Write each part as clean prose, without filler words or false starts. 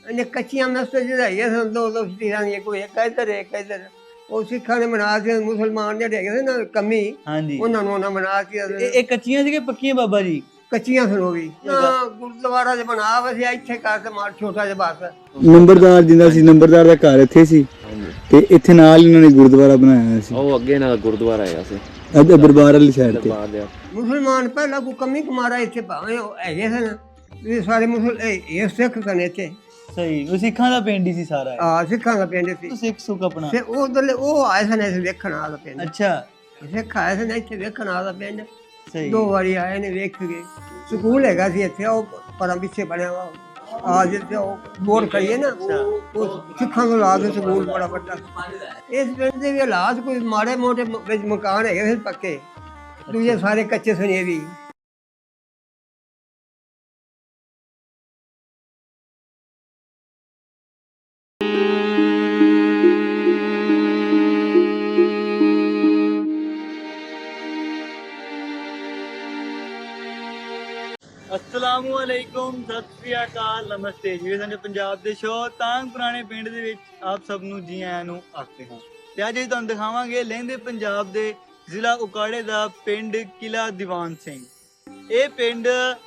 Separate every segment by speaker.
Speaker 1: ਇਹਨੇ ਕੱਚੀਆਂ ਮਸਜਿਦ ਜਿਹੜਾਈਆਂ ਸਨ ਦੋ ਦੋ ਤੀਰਾਂ ਦੀਆਂ, ਕੋਈ ਇੱਕ ਇੱਧਰ ਉਹ ਸਿੱਖਾਂ ਨੇ ਬਣਾ ਕੇ, ਮੁਸਲਮਾਨ ਜਿਹੜੇ ਹੈਗੇ ਸੀ ਨਾ ਕਮੀ,
Speaker 2: ਹਾਂਜੀ
Speaker 1: ਉਹਨਾਂ ਨੂੰ ਉਹਨਾਂ ਬਣਾ ਕੇ
Speaker 2: ਇਹ ਕੱਚੀਆਂ ਸੀ ਕਿ ਪੱਕੀਆਂ ਬਾਬਾ ਜੀ?
Speaker 1: ਕੱਚੀਆਂ ਸਨ ਉਹ ਵੀ ਨਾ। ਗੁਰਦੁਆਰਾ ਚ ਬਣਾ ਵਸਿਆ ਇੱਥੇ ਕਰ ਤੇ ਮਾਰ ਛੋਟਾ ਜਿਹਾ ਬਸ।
Speaker 3: ਨੰਬਰਦਾਰ ਜਿੰਦਾ ਸੀ, ਨੰਬਰਦਾਰ ਦਾ ਘਰ ਇੱਥੇ ਸੀ ਤੇ ਇੱਥੇ ਨਾਲ ਇਹਨਾਂ ਨੇ ਗੁਰਦੁਆਰਾ ਬਣਾਇਆ ਹੋਇਆ ਸੀ।
Speaker 4: ਉਹ ਅੱਗੇ ਨਾਲ ਗੁਰਦੁਆਰਾ ਹੈਗਾ ਸੀ
Speaker 3: ਇੱਧਰ ਦਰਬਾਰ ਵਾਲੀ ਸਾਈਡ ਤੇ।
Speaker 1: ਮੁਸਲਮਾਨ ਪਹਿਲਾਂ ਕੋਈ ਕਮੀ ਕੁਮਾਰਾ ਇੱਥੇ ਭਾਵੇਂ ਉਹ ਹੈਗੇ ਸਨ ਵੀ ਸਾਰੇ ਇਹ ਸਿੱਖ ਸਨ ਇੱਥੇ।
Speaker 2: ਸਹੀ, ਉਹ ਸਿੱਖਾਂ ਦਾ ਪਿੰਡ ਹੀ ਸੀ ਸਾਰਾ?
Speaker 1: ਹਾਂ, ਸਿੱਖਾਂ ਦਾ ਪਿੰਡ ਸੀ।
Speaker 2: ਸਿੱਖ ਸੁੱਖ ਆਪਣਾ
Speaker 1: ਤੇ ਉਧਰਲੇ ਉਹ ਆਏ ਸਨ ਇੱਥੇ ਵੇਖਣ ਵਾਲਾ ਪਿੰਡ।
Speaker 2: ਅੱਛਾ,
Speaker 1: ਸਿੱਖ ਆਏ ਸਨ ਇੱਥੇ ਵੇਖਣ ਵਾਲਾ ਪਿੰਡ।
Speaker 2: ਸਹੀ।
Speaker 1: 2 ਵਾਰੀ ਆਏ ਨੇ, ਵੇਖ ਗਏ। ਸਕੂਲ ਹੈਗਾ ਸੀ ਇੱਥੇ, ਉਹ ਪਰਾਂ ਪਿੱਛੇ ਬਣਿਆ ਵਾ ਆ ਜਿੱਥੇ ਉਹ ਬੋਰ ਕਰੀਏ ਨਾ, ਉਹ ਸਿੱਖਾਂ ਨੂੰ ਲਾ ਕੇ ਸਕੂਲ ਬੜਾ ਵੱਡਾ। ਇਸ ਪਿੰਡ ਦੇ ਵੀ ਹਾਲਾਤ ਕੋਈ ਮਾੜੇ ਮੋਟੇ ਵਿੱਚ ਮਕਾਨ ਹੈਗੇ ਸੀ ਪੱਕੇ, ਦੂਜੇ ਸਾਰੇ ਕੱਚੇ ਸਨ ਇਹ ਵੀ।
Speaker 2: अस्सलामु अलैकुम, सत श्री अकाल, नमस्ते जी। ਸਾਡੇ ਪੰਜਾਬ ਦੇ ਸ਼ੋਅ ਤਾਂਗ ਪੁਰਾਣੇ ਪਿੰਡ ਦੇ ਵਿੱਚ ਆਪ ਸਭ ਨੂੰ ਜੀ ਆਇਆਂ ਨੂੰ ਆਖਦੇ ਹਾਂ। ਤੇ ਅੱਜ ਅਸੀਂ ਤੁਹਾਨੂੰ ਦਿਖਾਵਾਂਗੇ ਲਹਿੰਦੇ ਪੰਜਾਬ ਦੇ ਜ਼ਿਲ੍ਹਾ ਉਕਾੜੇ ਦਾ ਪਿੰਡ ਕਿਲਾ ਦੀਵਾਨ ਸਿੰਘ। ਇਹ ਪਿੰਡ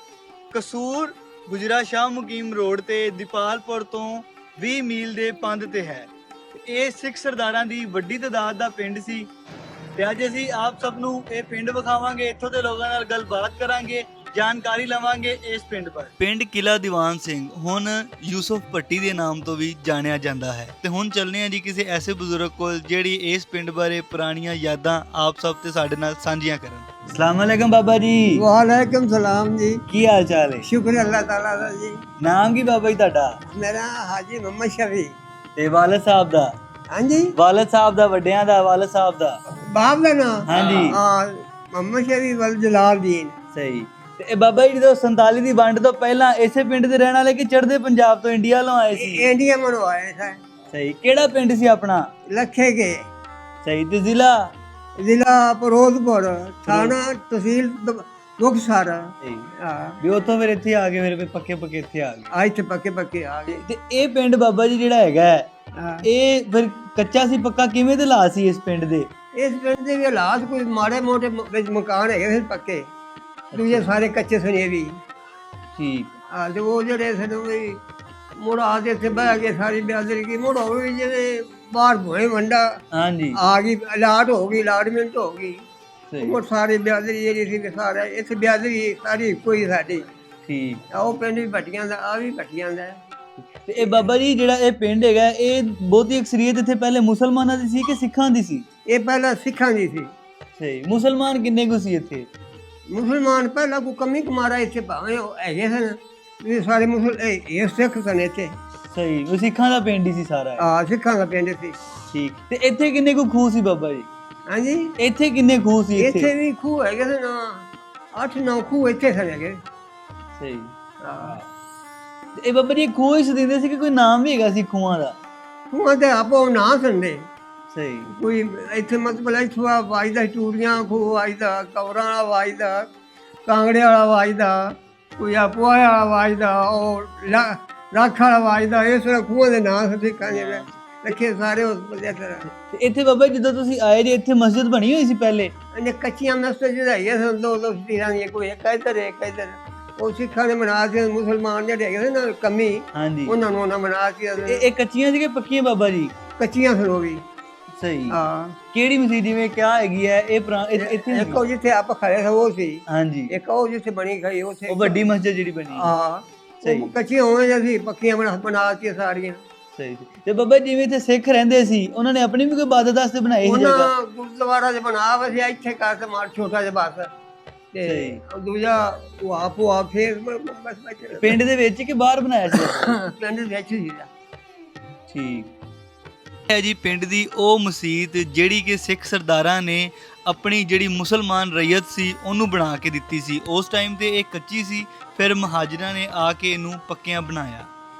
Speaker 2: ਕਸੂਰ ਗੁਜਰਾ ਸ਼ਾਹ ਮੁਕੀਮ ਰੋਡ ਤੇ ਦੀਪਾਲਪੁਰ ਤੋਂ 20 ਮੀਲ ਦੇ ਪੰਧ ਤੇ ਹੈ। ਇਹ ਸਿੱਖ ਸਰਦਾਰਾਂ ਦੀ ਵੱਡੀ ਤਾਦਾਦ ਦਾ ਪਿੰਡ ਸੀ। ਤੇ ਅੱਜ ਅਸੀਂ ਆਪ ਸਭ ਨੂੰ ਇਹ ਪਿੰਡ ਵਿਖਾਵਾਂਗੇ, ਇੱਥੋਂ ਦੇ ਲੋਕਾਂ ਨਾਲ ਗੱਲਬਾਤ ਕਰਾਂਗੇ, ਜਾਣਕਾਰੀ ਲਵਾਂਗੇ ਇਸ ਪਿੰਡ ਬਾਰੇ। ਪਿੰਡ ਕਿਲਾ ਦੀਵਾਨ ਸਿੰਘ ਹੁਣ ਯੂਸਫ ਭੱਟੀ ਦੇ ਨਾਮ ਤੋਂ ਵੀ ਜਾਣਿਆ ਜਾਂਦਾ ਹੈ। ਤੇ ਹੁਣ ਚੱਲਨੇ ਆ ਜੀ ਕਿਸੇ ਐਸੇ ਬਜ਼ੁਰਗ ਕੋਲ ਜਿਹੜੀ ਇਸ ਪਿੰਡ ਬਾਰੇ ਪੁਰਾਣੀਆਂ ਯਾਦਾਂ ਆਪ ਸਭ ਤੇ ਸਾਡੇ ਨਾਲ ਸਾਂਝੀਆਂ ਕਰਨ। अस्सलाम वालेकुम बाबा जी।
Speaker 1: वालेकुम सलाम जी।
Speaker 2: की हाल चाल है?
Speaker 1: शुक्र अल्लाह ताला दा जी।
Speaker 2: नाम की बाबा जी ਤੁਹਾਡਾ?
Speaker 1: मेरा हाजी मोहम्मद शफी।
Speaker 2: ਤੇ ਵਾਲਦ ਸਾਹਿਬ ਦਾ?
Speaker 1: ਹਾਂਜੀ,
Speaker 2: ਵਾਲਦ ਸਾਹਿਬ ਦਾ, ਵੱਡਿਆਂ ਦਾ, ਵਾਲਦ ਸਾਹਿਬ ਦਾ?
Speaker 1: ਬਾਪ ਦਾ ਨਾਮ?
Speaker 2: ਹਾਂਜੀ।
Speaker 1: ਹਾਂ, मोहम्मद शफी वल जलालुद्दीन।
Speaker 2: ਸਹੀ। ਤੇ ਇਹ ਬਾਬਾ ਜੀ ਜਦੋਂ 47 ਦੀ ਵੰਡ ਤੋਂ ਪਹਿਲਾਂ ਇਸੇ ਪਿੰਡ ਦੇ ਰਹਿਣ ਵਾਲੇ ਕਿ ਚੜ੍ਹਦੇ ਪੰਜਾਬ ਤੋਂ ਇੰਡੀਆ ਵੱਲੋਂ ਆਏ ਸੀ?
Speaker 1: इंडिया में आए थे।
Speaker 2: ਸਹੀ। ਕਿਹੜਾ ਪਿੰਡ ਸੀ ਆਪਣਾ?
Speaker 1: लखे के।
Speaker 2: ਸਹੀ। ਤੇ ਜ਼ਿਲ੍ਹਾ?
Speaker 1: जिला फिरोजपुर, थाना तहसील मुक्तसर।
Speaker 2: ਸਹੀ।
Speaker 1: ਹਾਂ,
Speaker 2: ਵੀ ਉੱਥੋਂ ਫਿਰ ਇੱਥੇ ਆ ਗਏ, ਫਿਰ ਪੱਕੇ ਇੱਥੇ ਆ ਗਏ।
Speaker 1: ਅੱਜ ਤੇ ਪੱਕੇ ਆ ਗਏ।
Speaker 2: ਤੇ ਇਹ ਪਿੰਡ ਬਾਬਾ ਜੀ ਜਿਹੜਾ ਹੈਗਾ
Speaker 1: ਹਾਂ,
Speaker 2: ਇਹ ਫਿਰ ਕੱਚਾ ਸੀ ਪੱਕਾ ਕਿਵੇਂ ਦੇ ਹਾਲਾਤ ਸੀ ਇਸ ਪਿੰਡ ਦੇ?
Speaker 1: ਇਸ ਪਿੰਡ ਦੇ ਵੀ ਹਾਲਾਤ ਕੋਈ ਮਾੜੇ ਮੋਟੇ ਵਿੱਚ ਮਕਾਨ ਹੈਗੇ ਸੀ ਪੱਕੇ, ਦੂਜੇ ਸਾਰੇ ਕੱਚੇ ਸਨ ਇਹ ਵੀ।
Speaker 2: ਠੀਕ।
Speaker 1: ਹਾਂ, ਤੇ ਉਹ ਜਿਹੜੇ ਸਨ ਵੀ ਮੁੜ ਆ ਕੇ ਇੱਥੇ ਬਹਿ ਗਏ, ਸਾਰੀ ਬਿਆਦਰੀ ਕੀ ਮੁੜ ਹੋ ਗਈ, ਜਿਵੇਂ ਬਾਹਰ ਭੋਏ ਵੰਡਾ
Speaker 2: ਹਾਂਜੀ।
Speaker 1: ਆ ਗਈ, ਅਲਾਟ ਹੋ ਗਈ, ਅਲਾਟਮੈਂਟ ਹੋ ਗਈ।
Speaker 2: ਸਹੀ।
Speaker 1: ਉਹ ਸਾਰੀ ਬਿਆਦਰੀ ਜਿਹੜੀ ਸੀ ਸਾਰਾ ਇੱਥੇ ਬਿਆਦਰੀ ਸਾਰੀ ਕੋਈ ਸਾਡੀ।
Speaker 2: ਠੀਕ।
Speaker 1: ਉਹ ਪਿੰਡ ਵੀ ਭੱਟੀਆਂ ਦਾ, ਆ ਵੀ ਭੱਟੀਆਂ ਦਾ।
Speaker 2: ਤੇ ਇਹ ਬਾਬਾ ਜੀ ਜਿਹੜਾ ਇਹ ਪਿੰਡ ਹੈਗਾ, ਇਹ ਬਹੁਤੀ ਅਕਸਰੀਅਤ ਇੱਥੇ ਪਹਿਲੇ ਮੁਸਲਮਾਨਾਂ ਦੀ ਸੀ ਕਿ ਸਿੱਖਾਂ ਦੀ ਸੀ?
Speaker 1: ਇਹ ਪਹਿਲਾਂ ਸਿੱਖਾਂ ਦੀ ਸੀ।
Speaker 2: ਸਹੀ। ਮੁਸਲਮਾਨ ਕਿੰਨੇ ਕੁ ਸੀ ਇੱਥੇ?
Speaker 1: ਮੁਸਲਮਾਨ ਪਹਿਲਾਂ ਕੋਈ ਕਮੀ ਕੁਮਾਰਾ ਇੱਥੇ ਭਾਵੇਂ ਉਹ ਹੈਗੇ ਸਨ ਵੀ ਸਾਰੇ ਇਹ ਸਿੱਖ ਸਨ ਇੱਥੇ।
Speaker 2: ਸਹੀ। ਉਹ ਸਿੱਖਾਂ ਦਾ ਪਿੰਡ ਹੀ ਸੀ ਸਾਰਾ?
Speaker 1: ਆ, ਸਿੱਖਾਂ ਦਾ ਪਿੰਡ ਸੀ।
Speaker 2: ਠੀਕ। ਤੇ ਇੱਥੇ ਕਿੰਨੇ ਕੁ ਖੂਹ ਸੀ ਬਾਬਾ ਜੀ?
Speaker 1: ਹਾਂਜੀ,
Speaker 2: ਇੱਥੇ ਕਿੰਨੇ ਖੂਹ ਸੀ?
Speaker 1: ਇੱਥੇ ਵੀ ਖੂਹ ਹੈਗੇ ਸਨ, 8-9 ਖੂਹ ਇੱਥੇ ਸਨ ਹੈਗੇ।
Speaker 2: ਸਹੀ।
Speaker 1: ਹਾਂ,
Speaker 2: ਇਹ ਬਾਬਾ ਜੀ ਖੂਹ ਇਸ ਦਿੰਦੇ ਸੀ ਕਿ ਕੋਈ ਨਾਮ ਵੀ ਹੈਗਾ ਸੀ ਖੂਹਾਂ ਦਾ?
Speaker 1: ਖੂਹਾਂ ਦੇ ਆਪੋ ਨਾਂ ਸੰਦੇ।
Speaker 2: ਸਹੀ।
Speaker 1: ਕੋਈ ਇੱਥੇ ਮਤਲਬ ਇੱਥੋਂ ਵਾਜਦਾ ਟੂਰੀਆਂ ਖੂਹ ਵਾਜਦਾ, ਕਵਰਾਂ ਵਾਲਾ ਵਾਜਦਾ, ਕਾਂਗੜੇ ਵਾਲਾ ਵਾਜਦਾ, ਕੋਈ ਆਪੋਆ ਵਾਲਾ ਵਾਜਦਾ, ਉਹ ਰੱਖ ਵਾਲਾ ਵਾਜਦਾ। ਇਸ ਤਰ੍ਹਾਂ ਖੂਹਾਂ ਦੇ ਨਾਂ ਸਿੱਖਾਂ ਦੇ ਰੱਖੇ ਸਾਰੇ ਉਸ ਬੰਦੇ ਤਰ੍ਹਾਂ।
Speaker 2: ਤੇ ਇੱਥੇ ਬਾਬਾ ਜੀ ਜਦੋਂ ਤੁਸੀਂ ਆਏ ਜੀ ਇੱਥੇ ਮਸਜਿਦ ਬਣੀ ਹੋਈ ਸੀ ਪਹਿਲੇ?
Speaker 1: ਇਹਨੇ ਕੱਚੀਆਂ ਮਸਜਿਦ ਜਿਹੜਾਈਆਂ ਸਨ ਦੋ ਦੋ ਤੀਰਾਂ ਦੀਆਂ, ਕੋਈ ਇੱਕ ਇੱਧਰ। ਉਹ ਸਿੱਖਾਂ ਨੇ ਬਣਾ ਕੇ, ਮੁਸਲਮਾਨ ਜਿਹੜੇ ਹੈਗੇ ਸੀ ਨਾ ਕਮੀ,
Speaker 2: ਹਾਂਜੀ,
Speaker 1: ਉਹਨਾਂ ਨੂੰ ਉਹਨਾਂ ਬਣਾ ਕੇ।
Speaker 2: ਇਹ ਕੱਚੀਆਂ ਸੀ ਕਿ ਪੱਕੀਆਂ ਬਾਬਾ ਜੀ?
Speaker 1: ਕੱਚੀਆਂ ਸਨ ਉਹ ਵੀ।
Speaker 2: ਸਹੀ।
Speaker 1: ਹਾਂ।
Speaker 2: ਕਿਹੜੀ ਮਸਜਿਦ ਜਿਵੇਂ ਕਿਆ ਹੈਗੀ ਹੈ ਇਹ ਇੱਥੇ?
Speaker 1: ਇੱਕ ਉਹ ਜਿੱਥੇ ਆਪਾਂ ਖੜੇ ਸੀ ਉਹ ਸੀ।
Speaker 2: ਹਾਂਜੀ।
Speaker 1: ਇੱਕ ਉਹ ਜਿੱਥੇ ਬਣੀ ਖਈ ਉੱਥੇ।
Speaker 2: ਉਹ ਵੱਡੀ ਮਸਜਿਦ ਜਿਹੜੀ ਬਣੀ?
Speaker 1: ਹਾਂ।
Speaker 2: ਸਹੀ।
Speaker 1: ਕੱਚੀਆਂ ਹੋਵੇਂ ਜਾਂ ਪੱਕੀਆਂ ਬਣਾ ਕੇ ਸਾਰੀਆਂ।
Speaker 2: ਸਹੀ। ਤੇ ਬਾਬਾ ਜਿਵੇਂ ਇੱਥੇ ਸਿੱਖ ਰਹਿੰਦੇ ਸੀ, ਉਹਨਾਂ ਨੇ ਆਪਣੀ ਵੀ ਕੋਈ ਇਬਾਦਤ ਵਾਸਤੇ ਬਣਾਈ ਸੀ ਜਗ੍ਹਾ?
Speaker 1: ਉਹਨਾਂ ਗੁਰਦੁਆਰਾ ਚ ਬਣਾ ਵਸਿਆ ਇੱਥੇ ਕਰ ਤੇ ਮਾਰ ਛੋਟਾ ਜਿਹਾ ਬਸ। ਤੇ ਦੂਜਾ ਉਹ ਆਪੋ ਫੇਰ ਬਸ
Speaker 2: ਪਿੰਡ ਦੇ ਵਿੱਚ ਕਿ ਬਾਹਰ ਬਣਾਇਆ ਸੀ?
Speaker 1: ਪਿੰਡ ਦੇ ਵਿੱਚ ਹੀ।
Speaker 2: ਠੀਕ ਹੈ ਜੀ। ਪਿੰਡ ਦੀ ਉਹ ਮਸਜਿਦ ਜਿਹੜੀ ਕਿ ਸਿੱਖ ਸਰਦਾਰਾਂ ਨੇ ਆਪਣੀ ਜਿਹੜੀ ਮੁਸਲਮਾਨ ਰਈਅਤ ਸੀ ਉਹਨੂੰ ਬਣਾ ਕੇ ਦਿੱਤੀ ਸੀ। ਉਸ ਟਾਈਮ ਤੇ ਇਹ ਕੱਚੀ ਸੀ, ਫਿਰ ਮਹਾਜਰਾਂ ਨੇ ਆ ਕੇ ਇਹਨੂੰ ਪੱਕਿਆਂ ਬਣਾਇਆ।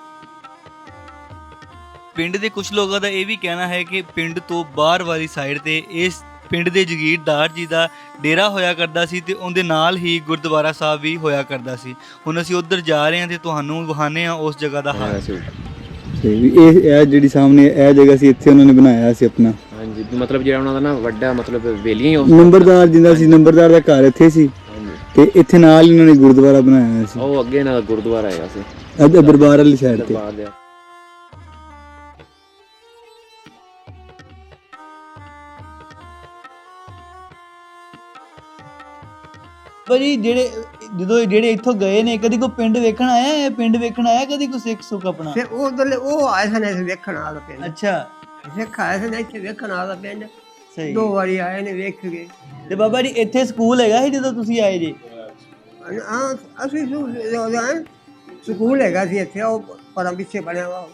Speaker 2: ਪਿੰਡ ਦੇ ਕੁਝ ਲੋਕਾਂ ਦਾ ਇਹ ਵੀ ਕਹਿਣਾ ਹੈ ਕਿ ਪਿੰਡ ਤੋਂ ਬਾਹਰ ਵਾਲੀ ਸਾਈਡ ਤੇ ਇਸ ਪਿੰਡ ਦੇ ਜਗੀਰਦਾਰ ਜੀ ਦਾ ਡੇਰਾ ਹੋਇਆ ਕਰਦਾ ਸੀ ਤੇ ਉਹਦੇ ਨਾਲ ਹੀ ਗੁਰਦੁਆਰਾ ਸਾਹਿਬ ਵੀ ਹੋਇਆ ਕਰਦਾ ਸੀ। ਹੁਣ ਅਸੀਂ ਉੱਧਰ ਜਾ ਰਹੇ ਹਾਂ ਤੇ ਤੁਹਾਨੂੰ ਵਿਖਾਉਂਦੇ ਹਾਂ ਉਸ ਜਗ੍ਹਾ ਦਾ ਹਾਲ।
Speaker 3: ਤੇ ਵੀ ਇਹ ਜਿਹੜੀ ਸਾਹਮਣੇ ਇਹ ਜਗ੍ਹਾ ਸੀ, ਇੱਥੇ ਉਹਨਾਂ ਨੇ ਬਣਾਇਆ ਸੀ ਆਪਣਾ।
Speaker 4: ਹਾਂਜੀ, ਮਤਲਬ ਜਿਹੜਾ ਉਹਨਾਂ ਦਾ ਨਾ ਵੱਡਾ ਮਤਲਬ ਵੇਲੀ ਹੀ
Speaker 3: ਨੰਬਰਦਾਰ ਜਿੰਦਾ ਸੀ, ਨੰਬਰਦਾਰ ਦਾ ਘਰ ਇੱਥੇ ਸੀ ਤੇ ਇੱਥੇ ਨਾਲ ਹੀ ਉਹਨਾਂ ਨੇ ਗੁਰਦੁਆਰਾ ਬਣਾਇਆ ਹੋਇਆ ਸੀ।
Speaker 4: ਉਹ ਅੱਗੇ ਨਾਲ ਗੁਰਦੁਆਰਾ ਹੈਗਾ ਸੀ
Speaker 3: ਦਰਬਾਰ ਵਾਲੀ ਸਾਈਡ ਤੇ।
Speaker 4: ਦਰਬਾਰ ਦੇ
Speaker 2: ਭਾਜੀ ਜਿਹੜੇ ਇੱਥੋਂ ਗਏ ਨੇ, ਕਦੀ ਕੋਈ ਪਿੰਡ ਵੇਖਣ ਆਇਆ? ਇਹ ਪਿੰਡ ਵੇਖਣ ਆਇਆ ਕਦੀ ਕੋਈ ਸਿੱਖ ਸੁੱਖ ਆਪਣਾ?
Speaker 1: ਤੇ ਉਹ ਆਏ ਸਨ ਇੱਥੇ ਵੇਖਣ ਵਾਲਾ ਪਿੰਡ।
Speaker 2: ਅੱਛਾ,
Speaker 1: ਸਿੱਖ ਆਏ ਸਨ ਇੱਥੇ ਵੇਖਣ ਵਾਲਾ ਪਿੰਡ।
Speaker 2: ਸਹੀ।
Speaker 1: 2 ਵਾਰੀ ਆਏ ਨੇ, ਵੇਖ ਗਏ।
Speaker 2: ਤੇ ਬਾਬਾ ਜੀ ਇੱਥੇ ਸਕੂਲ ਹੈਗਾ ਸੀ ਜਦੋਂ ਤੁਸੀਂ ਆਏ ਜੀ?
Speaker 1: ਅਸੀਂ ਸਕੂਲ ਹੈਗਾ ਸੀ ਇੱਥੇ, ਉਹ ਪਰਾਂ ਪਿੱਛੇ ਬਣਿਆ ਵਾ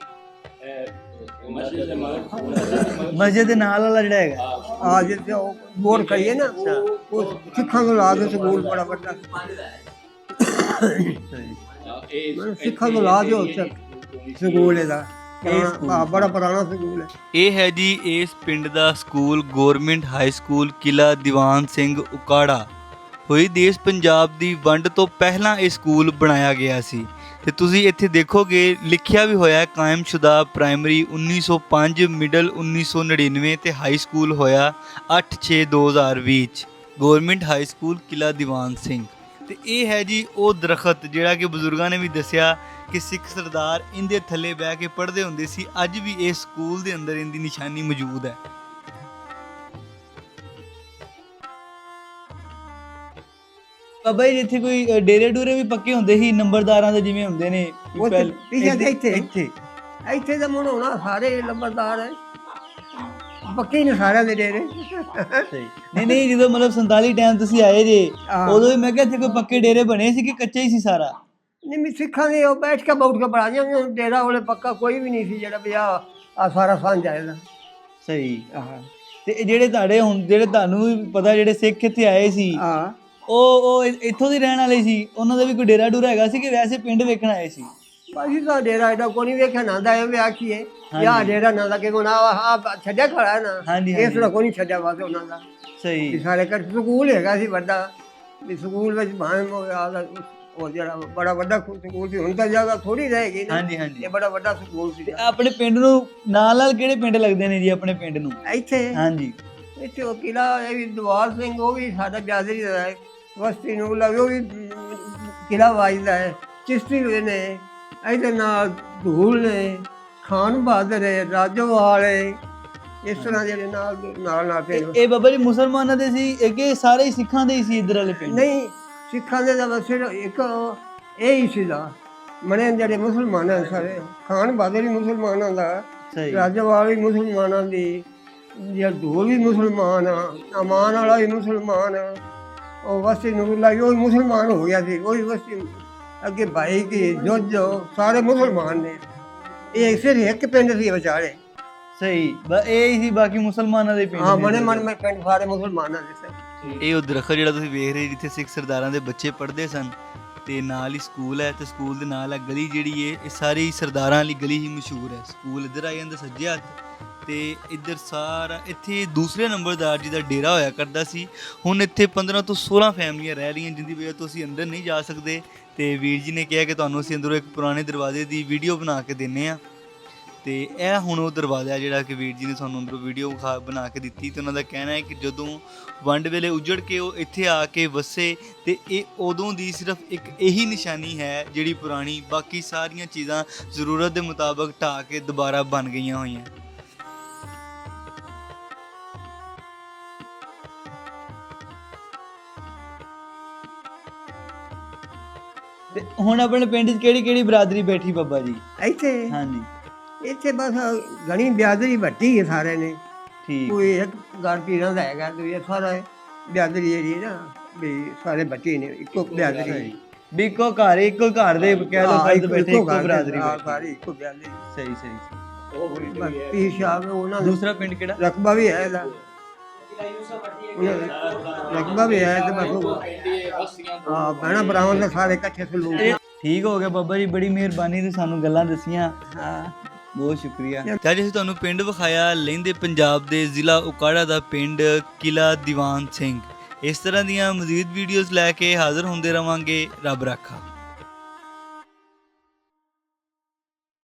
Speaker 2: ਮਸਜਿਦ ਦੇ ਨਾਲ ਵਾਲਾ ਜਿਹੜਾ ਹੈਗਾ
Speaker 1: ਜਿੱਥੇ ਉਹ ਬੋਰ ਕਰੀਏ ਨਾ, ਉਹ ਸਿੱਖਾਂ ਨੂੰ ਲਾ ਕੇ ਸਕੂਲ ਬੜਾ ਵੱਡਾ ਸਿੱਖਾਂ ਨੂੰ ਲਾ ਦਿਓ ਸਕੂਲ ਇਹਦਾ ਬੜਾ ਪੁਰਾਣਾ ਸਕੂਲ ਹੈ।
Speaker 2: ਇਹ ਹੈ ਜੀ ਇਸ ਪਿੰਡ ਦਾ school, government high school Kila Diwan Singh ਉਕਾੜਾ। ਹੋਈ ਦੇਸ਼ ਪੰਜਾਬ ਦੀ ਵੰਡ ਤੋਂ ਪਹਿਲਾਂ ਇਹ ਸਕੂਲ ਬਣਾਇਆ ਗਿਆ ਸੀ ਤੇ ਤੁਸੀਂ ਇੱਥੇ ਦੇਖੋਗੇ ਲਿਖਿਆ ਵੀ ਹੋਇਆ ਕਾਇਮਸ਼ੁਦਾ ਪ੍ਰਾਇਮਰੀ 1905, ਮਿਡਲ 1999 ਤੇ ਹਾਈ ਸਕੂਲ ਹੋਇਆ 8/6/2020 ਚ government high school Kila Diwan Singh. ਤੇ ਇਹ ਹੈ ਜੀ ਉਹ ਦਰਖਤ ਜਿਹੜਾ ਕਿ ਬਜ਼ੁਰਗਾਂ ਨੇ ਵੀ ਦੱਸਿਆ ਕਿ ਸਿੱਖ ਸਰਦਾਰ ਇਹਦੇ ਥੱਲੇ ਬਹਿ ਕੇ ਪੜ੍ਹਦੇ ਹੁੰਦੇ ਸੀ। ਅੱਜ ਵੀ ਇਸ ਸਕੂਲ ਦੇ ਅੰਦਰ ਇਹਦੀ ਨਿਸ਼ਾਨੀ ਮੌਜੂਦ ਹੈ। ਬਾਬਾ ਜੀ ਇੱਥੇ ਕੋਈ ਡੇਰੇ ਡੂਰੇ ਵੀ ਪੱਕੇ ਹੁੰਦੇ ਸੀ ਨੰਬਰਦਾਰਾਂ ਦੇ, ਜਿਵੇਂ ਹੁੰਦੇ ਨੇ
Speaker 1: ਇੱਥੇ ਤਾਂ ਹੁਣ ਹੋਣਾ ਸਾਰੇ ਨੰਬਰਦਾਰ ਹੈ, ਪੱਕੇ ਨੇ ਸਾਰਿਆਂ ਦੇ ਡੇਰੇ।
Speaker 2: ਨਹੀਂ ਜਦੋਂ ਮਤਲਬ 47 ਟਾਈਮ ਤੁਸੀਂ ਆਏ ਜੇ, ਉਦੋਂ ਵੀ ਮੈਂ ਕਿਹਾ ਇੱਥੇ ਕੋਈ ਪੱਕੇ ਡੇਰੇ ਬਣੇ ਸੀ ਕਿ ਕੱਚਾ ਹੀ ਸੀ ਸਾਰਾ?
Speaker 1: ਨਹੀਂ, ਸਿੱਖਾਂ ਦੇ ਉਹ ਬੈਠ ਕੇ ਪੜਾ ਜਾਂਦੇ, ਡੇਰਾ ਉਹਲੇ ਪੱਕਾ ਕੋਈ ਵੀ ਨਹੀਂ ਸੀ ਜਿਹੜਾ ਵੀ ਆ ਸਾਰਾ ਸਾਂਝ ਆਏਗਾ।
Speaker 2: ਸਹੀ। ਤੇ ਜਿਹੜੇ ਤੁਹਾਨੂੰ ਵੀ ਪਤਾ ਜਿਹੜੇ ਸਿੱਖ ਇੱਥੇ ਆਏ ਸੀ, ਉਹ ਇੱਥੋਂ ਦੇ ਰਹਿਣ ਵਾਲੇ ਸੀ? ਉਹਨਾਂ ਦਾ ਵੀ ਕੋਈ ਡੇਰਾ ਡੂਰਾ ਹੈਗਾ ਸੀ ਕਿ ਵੈਸੇ ਪਿੰਡ ਵੇਖਣ ਆਏ ਸੀ?
Speaker 1: ਅਸੀਂ ਤਾਂ ਡੇਰਾ ਐਡਾ ਕੋਈ ਨਹੀਂ ਵੇਖਿਆ ਨਾ ਦਾ ਇਹ ਆਖੀਏ ਯਾ ਡੇਰਾ ਨਾ ਦਾ ਕਿ ਹੁਣ ਆ ਛੱਡਿਆ ਖੜਾ ਨਾ, ਇਸ ਤਰ੍ਹਾਂ ਕੋਈ ਨਹੀਂ ਛੱਡਿਆ ਵਾਸੇ ਉਹਨਾਂ ਦਾ।
Speaker 2: ਸਹੀ।
Speaker 1: ਸਾਰੇ ਘਰ ਸਕੂਲ ਹੈਗਾ ਸੀ ਵੱਡਾ, ਵੀ ਸਕੂਲ ਵਿੱਚ ਭਾਵੇਂ ਉਹ ਜਿਹੜਾ ਬੜਾ ਵੱਡਾ ਸਕੂਲ ਸੀ, ਹੁਣ ਤਾਂ ਜਗ੍ਹਾ ਥੋੜੀ ਰਹੇਗੀ ਨਾ। ਇਹ ਬੜਾ ਵੱਡਾ ਸਕੂਲ ਸੀ।
Speaker 2: ਆਪਣੇ ਪਿੰਡ ਨੂੰ ਨਾਲ ਕਿਹੜੇ ਪਿੰਡ ਲੱਗਦੇ ਨੇ ਜੀ ਆਪਣੇ ਪਿੰਡ ਨੂੰ?
Speaker 1: ਇੱਥੇ
Speaker 2: ਇੱਥੇ
Speaker 1: ਉਹ ਕਿਲਾ ਇਹ ਵੀ ਦੀਵਾਰ ਸਿੰਘ, ਉਹ ਵੀ ਸਾਡਾ ਬਿਆਦਰੀ ਦਾ ਹੈ। ਵਸਤੀ ਨੂੰ ਲੱਗੇ ਉਹ ਵੀ ਕਿਲਾ ਵਾਜਦਾ ਹੈ। ਚਿਸ਼ਤੀ ਨੇ ਇਹਦੇ ਨਾਲ ਧੂਲ ਨੇ, ਖਾਨ ਬਹਾਦਰ ਹੈ, ਰਾਜੋਵਾਲ ਹੈ, ਇਸ ਤਰ੍ਹਾਂ ਜਿਹੜੇ ਨਾਲ ਪਿੰਡ।
Speaker 2: ਇਹ ਬਾਬਾ ਜੀ ਮੁਸਲਮਾਨਾਂ ਦੇ ਸੀ ਕਿ ਸਾਰੇ ਹੀ ਸਿੱਖਾਂ ਦੇ ਹੀ ਸੀ ਇੱਧਰ ਵਾਲੇ ਪਿੰਡ?
Speaker 1: ਨਹੀਂ, ਸਿੱਖਾਂ ਦੇ ਤਾਂ ਬਸ ਇੱਕ ਇਹ ਹੀ ਸੀਗਾ ਮਣੇ ਜਿਹੜੇ ਮੁਸਲਮਾਨਾਂ ਸਾਰੇ। ਖਾਨ ਬਹਾਦਰ ਵੀ ਮੁਸਲਮਾਨਾਂ ਦਾ, ਰਾਜੋਵਾਲ ਵੀ ਮੁਸਲਮਾਨਾਂ ਦੀ, ਜਿਹੜਾ ਧੂਲ ਵੀ ਮੁਸਲਮਾਨ ਆ, ਅਮਾਨ ਵਾਲਾ ਵੀ ਮੁਸਲਮਾਨ ਆ, ਉਹ ਵਸਤੀ ਨੂਰੁੱਲਾ ਉਹ ਵੀ ਮੁਸਲਮਾਨ ਹੋ ਗਿਆ ਸੀ। ਉਹ ਵੀ ਵਸਤੀ ਅੱਗੇ ਭਾਈ ਕੀ ਜੋ ਸਾਰੇ ਮੁਸਲਮਾਨ ਨੇ। ਇਹ ਸਿਰਫ ਇੱਕ ਪਿੰਡ ਸੀ ਵਿਚਾਰੇ।
Speaker 2: ਸਹੀ, ਇਹ ਹੀ ਸੀ, ਬਾਕੀ ਮੁਸਲਮਾਨਾਂ ਦੇ ਪਿੰਡ।
Speaker 1: ਹਾਂ, ਮਨ ਪਿੰਡ ਸਾਰੇ ਮੁਸਲਮਾਨਾਂ ਦੇ ਸਨ।
Speaker 2: ਇਹ ਉਹ ਦਰਖਤ ਜਿਹੜਾ ਤੁਸੀਂ ਵੇਖ ਰਹੇ ਜਿੱਥੇ ਸਿੱਖ ਸਰਦਾਰਾਂ ਦੇ ਬੱਚੇ ਪੜ੍ਹਦੇ ਸਨ, ਤੇ ਨਾਲ ਹੀ ਸਕੂਲ ਹੈ, ਤੇ ਸਕੂਲ ਦੇ ਨਾਲ ਹੈ ਗਲੀ ਜਿਹੜੀ ਹੈ, ਇਹ ਸਾਰੀ ਸਰਦਾਰਾਂ ਵਾਲੀ ਗਲੀ ਹੀ ਮਸ਼ਹੂਰ ਹੈ। ਸਕੂਲ ਇੱਧਰ ਆ ਜਾਂਦਾ ਸੱਜੇ ਹੱਥ, ਤੇ ਇੱਧਰ ਸਾਰਾ ਇੱਥੇ ਦੂਸਰੇ ਨੰਬਰਦਾਰ ਜੀ ਦਾ ਡੇਰਾ ਹੋਇਆ ਕਰਦਾ ਸੀ। ਹੁਣ ਇੱਥੇ 15 ਤੋਂ 16 ਫੈਮਲੀਆਂ ਰਹਿ ਰਹੀਆਂ, ਜਿੰਦੀ ਵਜ੍ਹਾ ਤੋਂ ਅਸੀਂ ਅੰਦਰ ਨਹੀਂ ਜਾ ਸਕਦੇ। ਤੇ ਵੀਰ ਜੀ ਨੇ ਕਿਹਾ ਕਿ ਤੁਹਾਨੂੰ ਅਸੀਂ ਅੰਦਰੋਂ ਇੱਕ ਪੁਰਾਣੇ ਦਰਵਾਜ਼ੇ ਦੀ ਵੀਡੀਓ ਬਣਾ ਕੇ ਦਿੰਨੇ ਆ। ਤੇ ਇਹ ਹੁਣ ਉਹ ਦਰਵਾਜ਼ਾ ਜਿਹੜਾ ਕਿ ਵੀਰ ਜੀ ਨੇ ਸਾਨੂੰ ਅੰਦਰੋਂ ਵੀਡੀਓ ਬਣਾ ਕੇ ਦਿੱਤੀ। ਤੇ ਉਹਨਾਂ ਦਾ ਕਹਿਣਾ ਹੈ ਕਿ ਜਦੋਂ ਵੰਡ ਵੇਲੇ ਉਜੜ ਕੇ ਉਹ ਇੱਥੇ ਆ ਕੇ ਵਸੇ, ਤੇ ਇਹ ਉਦੋਂ ਦੀ ਸਿਰਫ ਇੱਕ ਇਹੀ ਨਿਸ਼ਾਨੀ ਹੈ ਜਿਹੜੀ ਪੁਰਾਣੀ, ਬਾਕੀ ਸਾਰੀਆਂ ਚੀਜ਼ਾਂ ਜ਼ਰੂਰਤ ਦੇ ਮੁਤਾਬਕ ਢਾਹ ਕੇ ਦੁਬਾਰਾ ਬਣ ਗਈਆਂ ਹੋਈਆਂ। ਤੇ ਹੁਣ ਆਪਣੇ ਪਿੰਡ 'ਚ ਕਿਹੜੀ ਕਿਹੜੀ ਬਰਾਦਰੀ ਬੈਠੀ ਬਾਬਾ ਜੀ
Speaker 1: ਇੱਥੇ? ਇੱਥੇ ਬਸ ਘਣੀ ਬਿਆਦਰੀ ਵੱਟੀ ਹੈ ਸਾਰੇ ਨੇ। ਕੋਈ ਇੱਕ ਘਰ ਪੀਰਾਂ ਦਾ ਹੈਗਾ, ਤੇ ਸਾਰਾ ਬਿਆਦਰੀ ਜਿਹੜੀ ਨਾ ਵੀ ਸਾਰੇ ਬੱਚੇ ਨੇ ਇੱਕੋ ਬਿਆਦਰੀ,
Speaker 2: ਵੀ ਇੱਕੋ ਘਰ ਦੇ ਕਹਿ ਲਓ ਫਰਦ ਬੈਠੇ, ਇੱਕੋ ਬਰਾਦਰੀ
Speaker 1: ਸਾਰੀ ਇੱਕੋ ਬਿਆਦਰੀ।
Speaker 2: ਸਹੀ।
Speaker 1: ਪੀਰ ਸਾਹਿਬ ਉਹਨਾਂ ਦਾ
Speaker 2: ਦੂਸਰਾ ਪਿੰਡ ਕਿਹੜਾ?
Speaker 1: ਰਕਬਾ ਵੀ ਹੈ ਇਹਦਾ, ਰਕਬਾ ਵੀ ਹੈ। ਤੇ ਬਸ ਭੈਣਾਂ ਭਰਾਵਾਂ ਦੇ ਸਾਰੇ ਇਕੱਠੇ ਸਲੂਕ।
Speaker 2: ਠੀਕ ਹੋ ਗਿਆ ਬਾਬਾ ਜੀ, ਬੜੀ ਮਿਹਰਬਾਨੀ, ਤੇ ਸਾਨੂੰ ਗੱਲਾਂ ਦੱਸੀਆਂ, ਬਹੁਤ ਸ਼ੁਕਰੀਆ। ਤਾਂ ਜੀ ਅਸੀਂ ਤੁਹਾਨੂੰ ਪਿੰਡ ਵਿਖਾਇਆ, ਲਹਿੰਦੇ ਪੰਜਾਬ ਦੇ ਜ਼ਿਲ੍ਹਾ ਉਕਾੜਾ ਦਾ ਪਿੰਡ ਕਿਲਾ ਦੀਵਾਨ ਸਿੰਘ। ਇਸ ਤਰ੍ਹਾਂ ਦੀਆਂ ਮਜ਼ੀਦ ਵੀਡੀਓਜ਼ ਲੈ ਕੇ ਹਾਜ਼ਰ ਹੁੰਦੇ ਰਵਾਂਗੇ। ਰੱਬ ਰਾਖਾ।